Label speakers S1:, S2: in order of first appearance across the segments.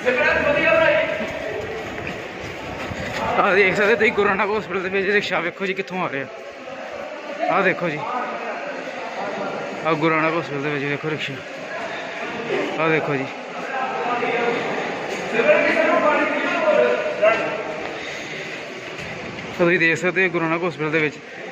S1: ਆ ਦੇਖ ਸਕਦੇ ਤੁਸੀਂ ਗੁਰੂ ਨਾਨਕ ਹਸਪੀਟਲ ਦੇ ਵਿੱਚ ਰਿਕਸ਼ਾ ਵੇਖੋ ਜੀ ਕਿੱਥੋਂ ਆ ਰਿਹਾ। ਆਹ ਦੇਖੋ ਜੀ, ਆ ਗੁਰੂ ਨਾਨਕ ਹਸਪੀਟਲ ਦੇ ਵਿੱਚ ਦੇਖੋ ਰਿਕਸ਼ਾ। ਆਹ ਦੇਖੋ ਜੀ, ਤੁਸੀਂ ਦੇਖ ਸਕਦੇ ਹੋ ਗੁਰੂ ਨਾਨਕ ਹਸਪੀਟਲ ਦੇ ਵਿੱਚ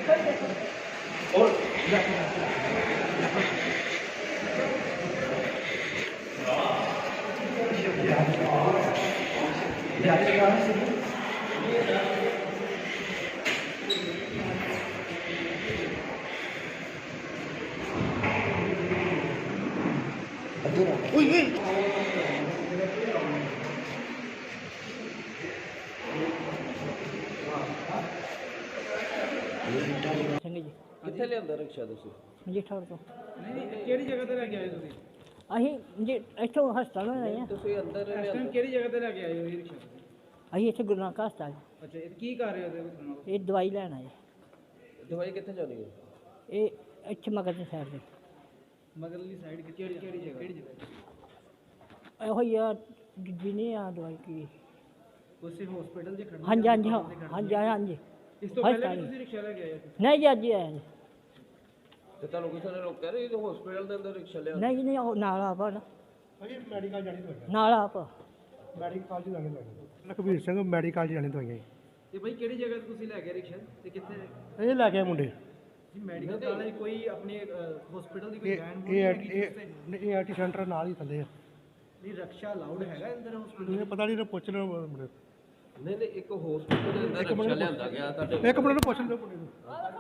S2: ਕਿੱਥੇ ਲਿਆਂਦਾ ਰਿਕਸ਼ਾ ਤੁਸੀਂ?
S3: ਮਜੀਠਾ ਤੋਂ।
S1: ਨਹੀਂ ਕਿਹੜੀ ਜਗ੍ਹਾ ਤੇ ਲੈ ਕੇ ਆਏ ਤੁਸੀਂ?
S3: ਅਸੀਂ ਜੀ ਇੱਥੋਂ ਹਸਪਤਾਲ ਆਏ ਹਾਂ।
S2: ਤੁਸੀਂ ਅੰਦਰ
S1: ਇਸ ਟਾਈਮ ਕਿਹੜੀ ਜਗ੍ਹਾ ਤੇ ਲੈ ਕੇ ਆਏ ਹੋ ਇਹ ਰਿਕਸ਼ਾ?
S3: ਅਸੀਂ ਇੱਥੇ ਗੁਰੂ ਨਾਨਕ ਹਸਪਤਾਲ।
S1: ਅੱਛਾ, ਇਹ ਕੀ ਕਰ ਰਹੇ ਹੋ ਉਹਦੇ?
S3: ਇਹ ਦਵਾਈ ਲੈਣ ਆਏ।
S2: ਦਵਾਈ ਕਿੱਥੇ ਜਾਣੀ ਹੈ?
S3: ਇਹ ਇੱਥੇ ਮਗਰ ਦੀ ਸਾਈਡ ਤੇ
S1: ਮਗਰਲੀ ਸਾਈਡ ਕਿਹੜੀ ਜਗ੍ਹਾ? ਕਿਹੜੀ ਜਗ੍ਹਾ?
S3: ਇਹੋ ਹੀ ਆ ਦੂਜੀ ਨਹੀਂ ਆ ਦਵਾਈ ਕੀ।
S1: ਉਸੇ ਹਸਪੀਟਲ ਦੇ ਖੜਨਾ?
S3: ਹਾਂਜੀ ਹਾਂਜੀ ਹਾਂ ਹਾਂਜੀ ਹਾਂਜੀ।
S1: ਇਸ ਤੋਂ ਪਹਿਲੇ ਵੀ ਤੁਸੀਂ ਰਿਕਸ਼ਾ ਲੈ ਕੇ ਆਏ ਹੋ?
S3: ਨਹੀਂ ਜੀ ਅੱਜ ਹੀ ਆਇਆ ਜੀ।
S2: ਤੇ ਤੁਹਾਨੂੰ ਕਿਸੇ ਨੇ ਰੋਕਿਆ ਨਹੀਂ ਇਹ ਹਸਪੀਟਲ ਦੇ ਅੰਦਰ ਰਿਕਸ਼ਾ ਲਿਆ?
S3: ਨਹੀਂ ਨਹੀਂ ਉਹ ਨਾਲ ਆਪ ਨਾ
S4: ਭਾਜੀ ਮੈਡੀਕਲ ਜਾਣੀ ਦਵਾਈਆਂ।
S3: ਨਾਲ ਆਪ
S4: ਮੈਡੀਕਲ ਚ ਜਾਣੀ ਦਵਾਈਆਂ। ਲਖਬੀਰ ਸਿੰਘ ਮੈਡੀਕਲ ਚ ਜਾਣੀ ਦਵਾਈਆਂ।
S1: ਤੇ ਭਾਈ ਕਿਹੜੀ ਜਗ੍ਹਾ ਤੇ ਤੁਸੀਂ ਲੈ ਕੇ ਰਿਕਸ਼ਾ ਤੇ ਕਿੱਥੇ?
S4: ਇਹ ਲੈ ਕੇ ਆਏ ਮੁੰਡੇ।
S1: ਜੀ ਮੈਡੀਕਲ ਕਾਲਜ ਕੋਈ ਆਪਣੇ ਹਸਪੀਟਲ ਦੀ ਕੋਈ
S4: ਇਹ
S1: ਵੈਨ
S4: ਇਹ ਆਰਟੀ ਸੈਂਟਰ ਨਾਲ ਹੀ ਥੱਲੇ ਆ।
S1: ਨਹੀਂ ਰਿਕਸ਼ਾ ਅਲਾਉਡ ਹੈਗਾ ਅੰਦਰ ਹਸਪੀਟਲ?
S4: ਇਹ ਪਤਾ ਨਹੀਂ ਪੁੱਛ ਲਓ ਮੁੰਡੇ।
S2: ਨਹੀਂ ਨਹੀਂ, ਇੱਕ ਹਸਪੀਟਲ ਦੇ ਅੰਦਰ ਰਿਕਸ਼ਾ ਲਿਆਂਦਾ ਗਿਆ ਤੁਹਾਡੇ?
S4: ਇੱਕ ਮਿੰਟ ਨੂੰ ਪੁੱਛ ਲਓ ਮੁੰਡੇ ਨੂੰ।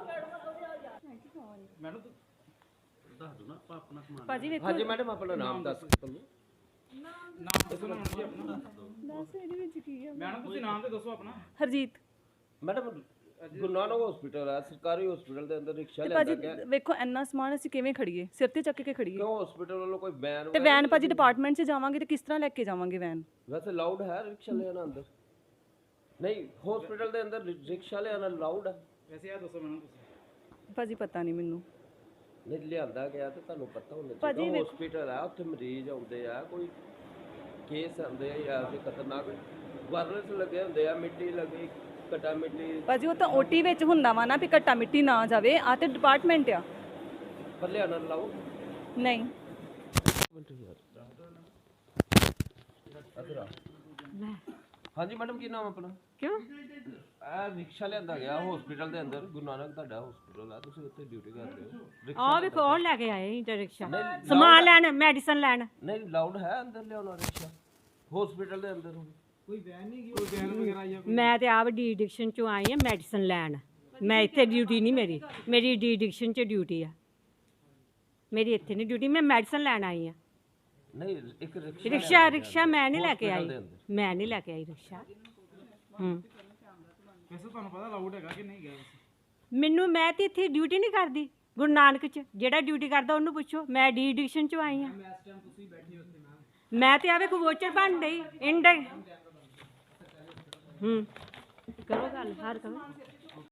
S1: ਮੈਨੂੰ ਦੱਸ ਦੋ ਨਾ ਆਪਣਾ ਸਮਾਨ।
S5: ਭਾਜੀ ਵੇਖੋ
S2: ਹਾਂਜੀ ਮੈਡਮ, ਆਪਣਾ ਨਾਮ ਦੱਸ ਤੁਹਾਨੂੰ।
S1: ਨਾਮ ਦੱਸੋ ਨਾ ਜੀ ਆਪਣਾ।
S5: ਦੱਸ ਇਹਦੇ ਵਿੱਚ ਕੀ ਹੈ?
S1: ਮੈਡਮ ਤੁਸੀਂ ਨਾਮ ਤੇ ਦੱਸੋ ਆਪਣਾ।
S5: ਹਰਜੀਤ।
S2: ਮੈਡਮ ਗੁਰੂ ਨਾਨਕ ਹਸਪੀਟਲ ਹੈ, ਸਰਕਾਰੀ ਹਸਪੀਟਲ ਦੇ ਅੰਦਰ ਰਿਕਸ਼ਾ
S5: ਤੇ
S2: ਲਿਆਂਦਾ
S5: ਭਾਜੀ
S2: ਗਿਆ।
S5: ਵੇਖੋ ਇੰਨਾ ਸਮਾਨ ਅਸੀਂ ਕਿਵੇਂ ਖੜੀਏ? ਸਿਰ ਤੇ ਚੱਕ ਕੇ ਖੜੀਏ?
S2: ਕਿਉਂ ਹਸਪੀਟਲ ਵੱਲੋਂ ਕੋਈ ਬੈਨ?
S5: ਤੇ ਵੈਨ ਭਾਜੀ ਡਿਪਾਰਟਮੈਂਟ 'ਚ ਜਾਵਾਂਗੇ ਤੇ ਕਿਸ ਤਰ੍ਹਾਂ ਲੈ ਕੇ ਜਾਵਾਂਗੇ ਵੈਨ?
S2: ਵੈਸੇ ਲਾਊਡ ਹੈ ਰਿਕਸ਼ਾ ਲਿਆਣਾ ਅੰਦਰ? ਨਹੀਂ, ਹਸਪੀਟਲ ਦੇ ਅੰਦਰ ਰਿਕਸ਼ਾ ਲਿਆਣਾ ਲਾਊਡ ਹੈ?
S1: ਵੈਸੇ ਇਹ ਦੱਸੋ ਮੈਨੂੰ ਤੁਸੀਂ।
S5: ਭਾਜੀ ਪਤਾ ਨਹੀਂ ਮੈਨੂੰ।
S2: ਨਹੀਂ ਲਿਆਂਦਾ ਗਿਆ ਤੇ ਤੁਹਾਨੂੰ ਪਤਾ ਹੋਣਾ
S5: ਭਾਜੀ
S2: ਚਾਹੀਦਾ।
S5: ਵੇਖੋ-
S2: ਹਸਪੀਟਲ ਆ, ਉੱਥੇ ਮਰੀਜ਼ ਆਉਂਦੇ ਆ, ਕੋਈ ਕੇਸ ਆਉਂਦੇ ਆ ਜਾਂ ਕੋਈ ਖਤਰਨਾਕ ਵਾਇਰਸ ਲੱਗੇ ਹੁੰਦੇ ਆ, ਮਿੱਟੀ ਲੱਗੀ, ਕਟਾ ਮਿੱਟੀ।
S5: ਭਾਜੀ ਉਹ ਤਾਂ ਓਟੀ ਵਿੱਚ ਹੁੰਦਾ ਵਾ ਨਾ ਵੀ ਘੱਟਾ ਮਿੱਟੀ ਨਾ ਜਾਵੇ। ਆ ਤੇ ਡਿਪਾਰਟਮੈਂਟ ਆ।
S2: ਪਰ ਲਿਆਣਾ ਲਾਊਡ?
S5: ਨਹੀਂ
S2: ਹਾਂਜੀ ਮੈਡਮ, ਕੀ ਨਾਮ ਆਪਣਾ?
S5: ਕਿਉਂ?
S2: ਇਹ ਰਿਕਸ਼ਾ ਲਿਆਂਦਾ ਗਿਆ ਹਸਪੀਟਲ ਦੇ ਅੰਦਰ। ਗੁਰੂ ਨਾਨਕ ਤੁਹਾਡਾ ਹਸਪੀਟਲ ਆ, ਤੁਸੀਂ ਉੱਥੇ ਡਿਊਟੀ ਕਰਦੇ ਹੋ।
S6: ਆ ਵੇਖੋ ਉਹ ਲੈ ਕੇ ਆਏ ਇੰਟਰ ਰਿਕਸ਼ਾ ਸਮਾਨ ਲੈਣ, ਮੈਡੀਸਨ ਲੈਣ।
S2: ਨਹੀਂ ਲਾਊਡ ਹੈ ਅੰਦਰ ਲਿਆਉਣਾ ਰਿਕਸ਼ਾ ਹਸਪੀਟਲ ਦੇ ਅੰਦਰ?
S1: ਕੋਈ ਵੈਨ ਨਹੀਂ ਗਈ? ਕੋਈ ਵੈਨ ਵਗੈਰਾ ਆਈ?
S6: ਮੈਂ ਤੇ ਆਪ ਡੀ ਐਡਿਕਸ਼ਨ ਚੋਂ ਆਈ ਆ ਮੈਡੀਸਨ ਲੈਣ। ਮੈਂ ਇੱਥੇ ਡਿਊਟੀ ਨਹੀਂ ਮੇਰੀ ਡੀ ਐਡਿਕਸ਼ਨ 'ਚ ਡਿਊਟੀ ਆ। ਮੇਰੀ ਇੱਥੇ ਨਹੀਂ ਡਿਊਟੀ, ਮੈਂ ਮੈਡੀਸਨ ਲੈਣ ਆਈ ਆ।
S2: ਨਹੀਂ, ਇੱਕ ਰਿਕਸ਼ਾ
S6: ਰਿਕਸ਼ਾ ਮੈਂ ਨਹੀਂ ਲੈ ਕੇ ਆਈ। ਮੈਂ ਨਹੀਂ ਲੈ ਕੇ ਆਈ ਰਿਕਸ਼ਾ।
S1: ਵੈਸੇ ਤੁਹਾਨੂੰ ਪਤਾ ਲਾਊਡ ਹੈਗਾ ਕਿ ਨਹੀਂ ਗਿਆ?
S6: ਮੈਨੂੰ, ਮੈਂ ਤੇ ਇੱਥੇ ਡਿਊਟੀ ਨਹੀਂ ਕਰਦੀ ਗੁਰੂ ਨਾਨਕ 'ਚ। ਜਿਹੜਾ ਡਿਊਟੀ ਕਰਦਾ ਉਹਨੂੰ ਪੁੱਛੋ। ਮੈਂ ਡੀ ਐਡਿਕਸ਼ਨ 'ਚੋਂ ਆਈ ਆ। ਮੈਂ ਤੇ ਆਵੇ ਕੋ ਵੋਚਰ ਬਣ ਗਈ ਇੰਡ। ਕਰੋ ਗੱਲ, ਹਰ ਕਰੋ।